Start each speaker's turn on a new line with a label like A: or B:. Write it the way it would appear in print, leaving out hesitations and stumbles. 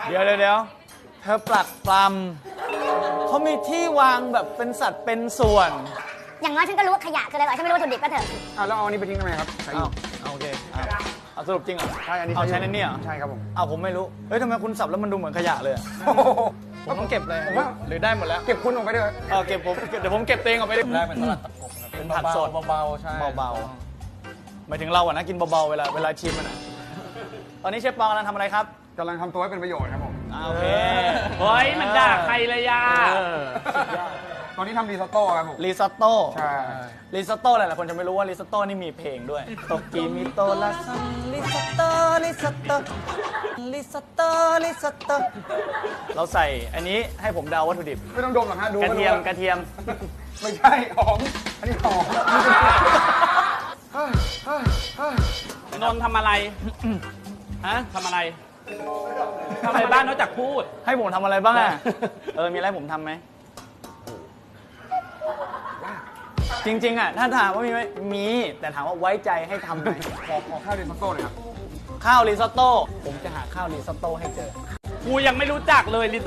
A: เดี๋ยวเธอปลักปลำเขามีที่วางแบบเป็นสัดเป็นส่วน
B: อย่างน้อยฉันก็รู้ว่าขยะคืออะไรหรอกฉันไม่รู้วัตถุดิบก็เถอะ
C: แล้วเอาอันนี้ไปทิ้งทำไมครับใช้อยู่
A: โอเคเอาสรุปจริงเหรอ
C: ใช่อันนี้
A: เอาใช้ในเนี่ย
C: ใช่ครับผม
A: เอาผมไม่รู้เฮ้ยทำไมคุณสับแล้วมันดูเหมือนขยะเลยอะผมต้องเก็บเลย
C: ผมว่า
A: หรือได้หมดแล้ว
C: เก็บคุณออกไปด้วย
A: เก็บผมเดี๋ยวผมเก็บเตงออกไปดิ
D: แรกเป็นสลัดตะกบครับ
A: เป็นผักสด
D: เบาๆใช่
A: เบาๆหมายถึงเราอะนะกินเบาๆเวลาชิมมันอะตอนนี้เชฟปองกำลังทำอะไรครับ
C: กำลังทำตัวให้เป็นประโยชน์ครับผม
A: โอเค
E: เฮ้ยมันด่าใครเลยยา
C: ตอนนี้ทำรีซอตโต้ครับผม
A: ริซอตโต้
C: ใช่
A: ริซอตโต้หลายๆคนจะไม่รู้ว่าริซอตโต้นี่มีเพลงด้วยโตกิมิโตะลาซันริซอตโต้ริซอตโต้ริซอตโต้ริซอตโต้เราใส่อันนี้ให้ผมเดาวัตถุดิบ
C: ไม่ต้องดมหรอกฮะดู
A: กระเทียม
C: ก็
A: กระเทียม
C: ไม่ใช่หอมอันนี้หอม
E: นนท์ทำอะไร ฮะทำอะไรทำอะไรบ้างนอกจากพูด
A: ให้ผมทำอะไรบ้างอะมีอะไรให้ผมทำไหมจริงๆอะถ้าถามว่ามีไหมมีแต่ถามว่าไว้ใจให้ทำไหม
C: ขอข้าวรีซอตโต้หน่อยครับ
A: ข้าวริซอตโต้ผมจะหาข้าวริซอตโต้ให้เจอ
E: กูยังไม่รู้จักเลย